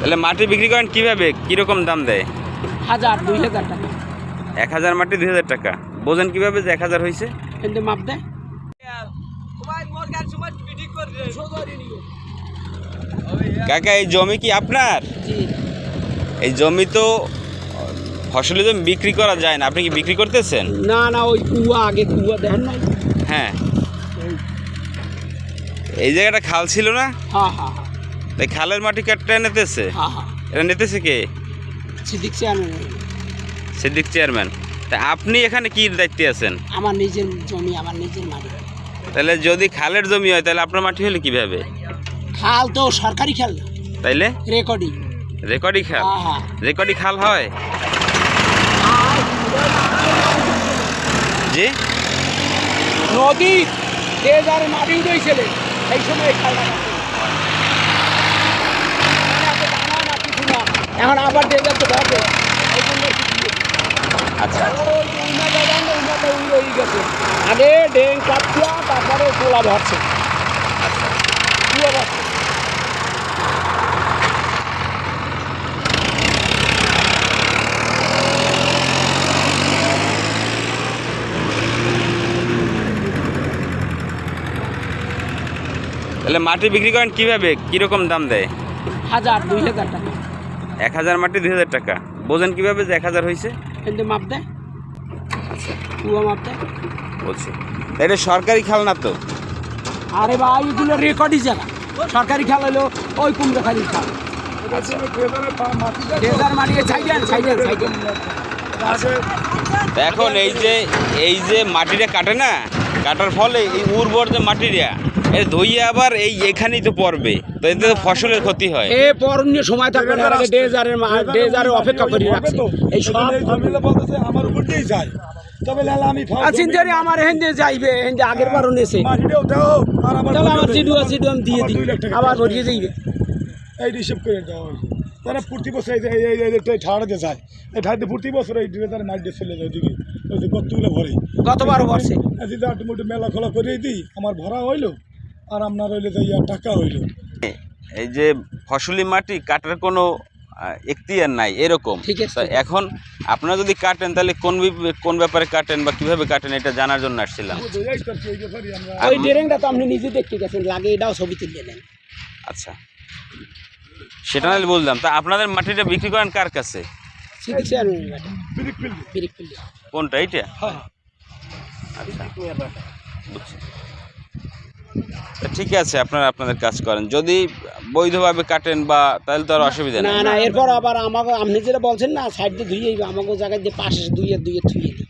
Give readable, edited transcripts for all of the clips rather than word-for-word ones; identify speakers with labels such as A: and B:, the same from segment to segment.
A: তাহলে মাটি বিক্রি করেন কিভাবে, কিরকম দাম দেয়?
B: 1000-2000 টাকা।
A: 1000 মাটি 2000 টাকা। বোঝেন কিভাবে যে 1000 হয়েছে?
B: কিন্তু মাপ দেয়।
A: কাকা এই জমি কি আপনার?
B: জি।
A: এই জমি তো ফসলি জমি বিক্রি করা যায় না, আপনি কি বিক্রি করতেছেন?
B: না না, ওই কুয়া আগে কুয়া দেখেন না।
A: হ্যাঁ, এই জায়গাটা খাল ছিল না?
B: হ্যাঁ হ্যাঁ হ্যাঁ
A: তাই খালের মাটি কাটটা নিতেছে?
B: হ্যাঁ হ্যাঁ।
A: এটা নিতেছে কে?
B: সিদ্দিক চেয়ারম্যান।
A: সিদ্দিক চেয়ারম্যান। তা আপনি এখানে কি দায়িত্বে আছেন?
B: আমার নিজের জমি, আমার নিজের মাটি।
A: তাহলে যদি খালের জমি হয় তাহলে আপনার মাটি হলে কিভাবে?
B: খাল তো সরকারি খাল না,
A: তাইলে
B: রেকর্ডিং।
A: রেকর্ডি খাল?
B: হ্যাঁ হ্যাঁ।
A: রেকর্ডি খাল হয়? জি।
B: নদী যে যার মাটি উঠেছিল সেই সময় এই খালটা কাটছে। এখন আবার যে যাচ্ছে ধরবে এই জন্য
A: আচ্ছা,
B: আগে ডেং কাটছিয়া তারপরে তোলা ভরছে।
A: আচ্ছা।
B: কুয়া ভরছে।
A: তাহলে মাটি বিক্রি করেন কিভাবে, কিরকম দাম দেয়?
B: 1000-2000 টাকা।
A: 1000 মাটি 2000 টাকা। বোঝেন কিভাবে যে 1000 হয়েছে?
B: কিন্তু মাপ দেয়। কুয়া মাপ দেয়।
A: বলছি এটা সরকারি খাল না তো?
B: আরে ভাই এগুলো রেকর্ডই জায়গা। সরকারি খাল হলো ওই কুমড়োখালির খাল।
A: আচ্ছা।
B: ডেজার মাটিয়ে ছাইডেন ছাইডেন ছাইডেন।
A: এখন এই যে মাটিটা কাটে না, কাটার ফলে এই উর্বর যে মাটিটা এটা ধুইয়ে আবার এখানেই তো পড়বে, তো এতে তো ফসলের ক্ষতি হয়।
B: এ পরনীয় সময় থাকবে না, আগে ডেজারের অপেক্ষা করে রাখছে। এই সব
C: বলতেছে আমার উপর দিয়েই যায়, তবে লালা আমি
B: চিন্তারি আমার হেন্দে যাইবে, হেন্দে আগের বারও নেছে।
C: মাটিটাও দাও আর আমার
B: তাহলে আমার সিডুয়া আমি দিয়ে দিই, আবার ভরিয়ে যাইবে।
C: এই রিসিভ করে দেওয়া হয়েছে। তারা প্রতি বছর এই ঠাড়াতে যায়, এই ঠাড়াতে প্রতি বছর এই ড্রেজারে মাটি দিয়ে চলে যায় ওদিকে, ওই যে গর্তগুলো ভরে।
B: গতবারও ভরছে।
C: যদি আটমোটে মেলা খোলা করে দিই আমার ভরা হইলো আর আপনার হইলে যে টাকা হইলো।
A: এই যে ফসলি মাটি কাটার কোনো এখতিয়ার নাই এরকম।
B: ঠিক আছে।
A: তা এখন আপনারা যদি কাটেন তাহলে কোন ব্যাপারে কাটেন বা কিভাবে কাটেন এটা জানার জন্য আসছিলাম।
B: ওই ডেরেংটা তো আপনি নিজে দেখতে গেছেন, লাগে এটাও ছবি তুলে নেন।
A: আচ্ছা, সেটা নাহলে বললাম। তা আপনাদের মাটিটা বিক্রি করেন কার কাছে?
B: সিদ্দিক চেয়ারম্যানের বাটা। বিরিক পিল্লি।
A: কোনটা এইটা?
B: হ্যাঁ।
A: আচ্ছা, বুঝছি। তা ঠিক আছে, আপনারা আপনাদের কাজ করেন। যদি বৈধভাবে কাটেন বা তাহলে তো আর অসুবিধা
B: না
A: নেই।
B: না, এরপর আবার আমাকে আপনি যেটা বলছেন না সাইড দিয়ে ধুয়ে আমাকে জায়গায় দিয়ে পাশে ধুয়ে ধুয়ে থুয়ে দিই।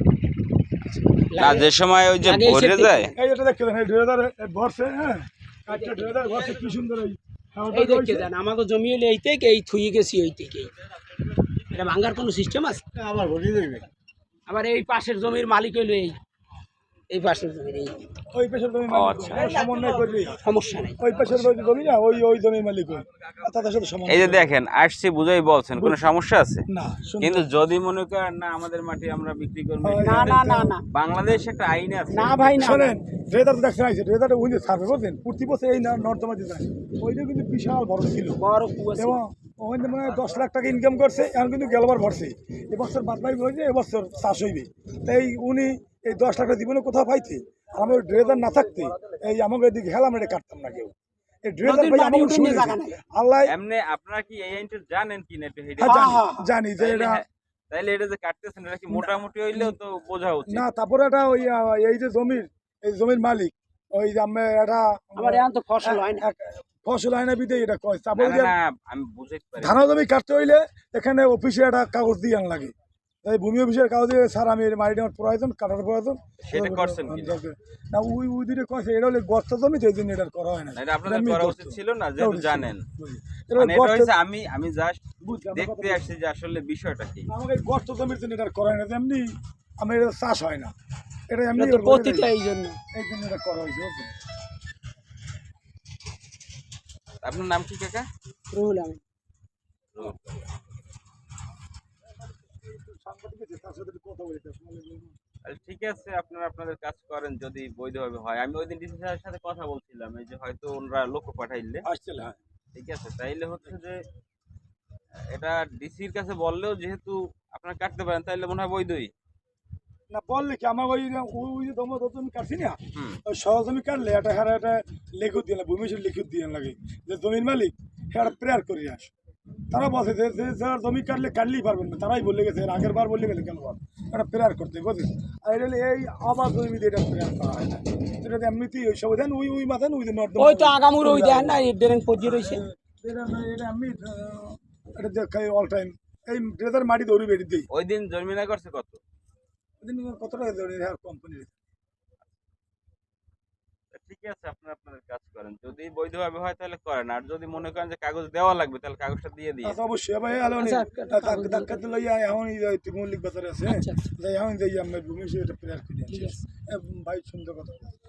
A: না, যে সময় ওই যে ভরে যায়।
C: এই এটা দেখতে দেন, এই ড্রেজার ভরছে, হ্যাঁ একটা ড্রেজার ভরছে কি সুন্দর।
B: এই দেখতে দেন আমাকে জমি হলে এই থেকে এই থুয়ে গেছি ওই থেকে। এটা ভাঙার কোনো সিস্টেম আছে?
C: আবার ভরিয়ে দেবে।
B: আবার এই পাশের জমির মালিক হইলো এই পাশের জমির এই
C: ওই পেশার জমি সমন্বয় করবি,
B: সমস্যা নেই।
C: ওই পেশার জমি না, ওই জমি মালিক হয় তাদের সাথে সমন্বয়।
A: এই যে দেখেন আসছি বুঝাই বলছেন, কোনো সমস্যা আছে?
C: না,
A: কিন্তু যদি মনে করেন না আমাদের মাটি আমরা বিক্রি করবো,
B: না না না না
A: বাংলাদেশ একটা আইন আছে।
B: না ভাই না।
C: শোনেন, ড্রেজার তো দেখছেন আইছে, ড্রেজারটা ওই যে সার্ভে করছেন প্রতি বছর এই নর্দমাতে যায়, ওইটা কিন্তু বিশাল বড় ছিল
B: বড় কুয়া ছিল।
C: এবং ওখানে মানে 10 লাখ টাকা ইনকাম করছে, এখন কিন্তু গেলবার ভরছে। এবছর বাদবাই হয়েছে, এবছর চাষ হইবে। তাই উনি এই 10 লাখ টাকা জীবনে কোথাও পাইতে, আর আমার ড্রেজার না থাকতে এই আমাকে এদিকে হেলাম এটা কাটতাম না কেউ। এই ড্রেজার ভাই আমাকে শুনে আল্লাহ
A: এমনি আপনারা কি এই আইনটা জানেন কি না একটু হেঁটে?
C: জানি যে এটা
A: তাইলে এটা যে কাটতেছেন এটা কি মোটামুটি হইলেও তো বোঝা উচিত।
C: না। তারপরে এটা ওই এই যে জমির মালিক ওই যে আমি এটা
B: আমার এখন তো ফসল হয় না।
C: ফসল হয় না বিদে এটা কয়।
A: না,
C: তারপরে
A: না, আমি বুঝতে পারি।
C: ধান জমি কাটতে হইলে এখানে অফিসে একটা কাগজ দিয়ে আন লাগে, তাই ভূমি অফিসের কাগজ দিয়ে স্যার আমি মাটিটা আমার প্রয়োজন, কাটার প্রয়োজন।
A: সেটা করছেন কি
C: না? ওই দিকে কয়েছে এটা হলে গর্ত জমি, সেই জন্য এটা করা হয় না।
A: এটা আপনাদের করা উচিত ছিল না, যেহেতু জানেন।
C: এটা
A: মানে এটা
C: গর্ত-
A: হইছে আমি জাস্ট
C: বুঝলাম,
A: দেখতে আসছি যে আসলে বিষয়টা কি।
C: আমাকে এই গর্ত জমির জন্য এটা করা হয় না, যেমনি আমি এটা চাষ হয় না, এটা এমনি
B: এটা তো পতিতা এই জন্য।
C: এই জন্য এটা করা হয়েছে, বুঝছেন?
A: আপনার নাম কি কাকা?
B: রুহুল আমিন।
A: ঠিক আছে, আপনারা আপনাদের কাজ করেন যদি বৈধভাবে হয়। আমি ওই দিন ডিসি স্যারের সাথে কথা বলছিলাম, এই যে হয়তো ওনারা লোক পাঠাইলে
C: আসছিল, হ্যাঁ।
A: ঠিক আছে, তাইলে হচ্ছে যে এটা ডিসির কাছে বললেও যেহেতু আপনারা কাটতে পারেন তাহলে মনে হয় বৈধই।
C: না বললে কি আমার ওই ওই যে তোমার জমি কাটছি না,
A: হুম।
C: ওই সহ জমি কাটলে এটা হ্যাঁ একটা লিখিত দিয়ে ভূমিশীল লিখিত দিয়ে লাগে যে জমির মালিক হ্যাঁ প্রেয়ার করে আস। তারা বলছে যে যারা জমি কাটলে কাটলেই পারবেন না, তারাই বলে গেছে, এর আগের বার বলে গেলে কেন বার এটা প্রেয়ার করতে বুঝলেন। আর এটা হলে এই আবার জমি দিয়ে এটা প্রেয়ার করা হয় না, এটা এমনিতেই ওই সব দেন ওই মাথান ওই যে নর্দমা
B: ওই তো আগামুর ওই দেখেন না ড্রেন পজিয়ে রয়েছে।
C: এটা এমনি এটা দেখাই অল টাইম এই ড্রেজার মাটি দৌড়ি বেড়ে দিই।
A: ওই দিন জরিমানা করছে কত?
C: ওদিন কত টাকা দৌড়ি হ্যাঁ কোম্পানির।
A: ঠিক আছে, আপনারা আপনাদের কাজ করেন, যদি বৈধভাবে হয় তাহলে করেন, আর যদি মনে করেন যে কাগজ দেওয়া লাগবে তাহলে কাগজটা দিয়ে দিই।
C: আচ্ছা অবশ্যই ভাই আলো
B: আচ্ছা,
C: ধাক্কাতে লইয়া এখন মল্লিক বাজারে আছে,
B: আচ্ছা,
C: যাই এখন যাই আমরা ভূমি এটা প্রেয়ার করি
B: ঠিক আছে।
C: ভাই সুন্দর কথা।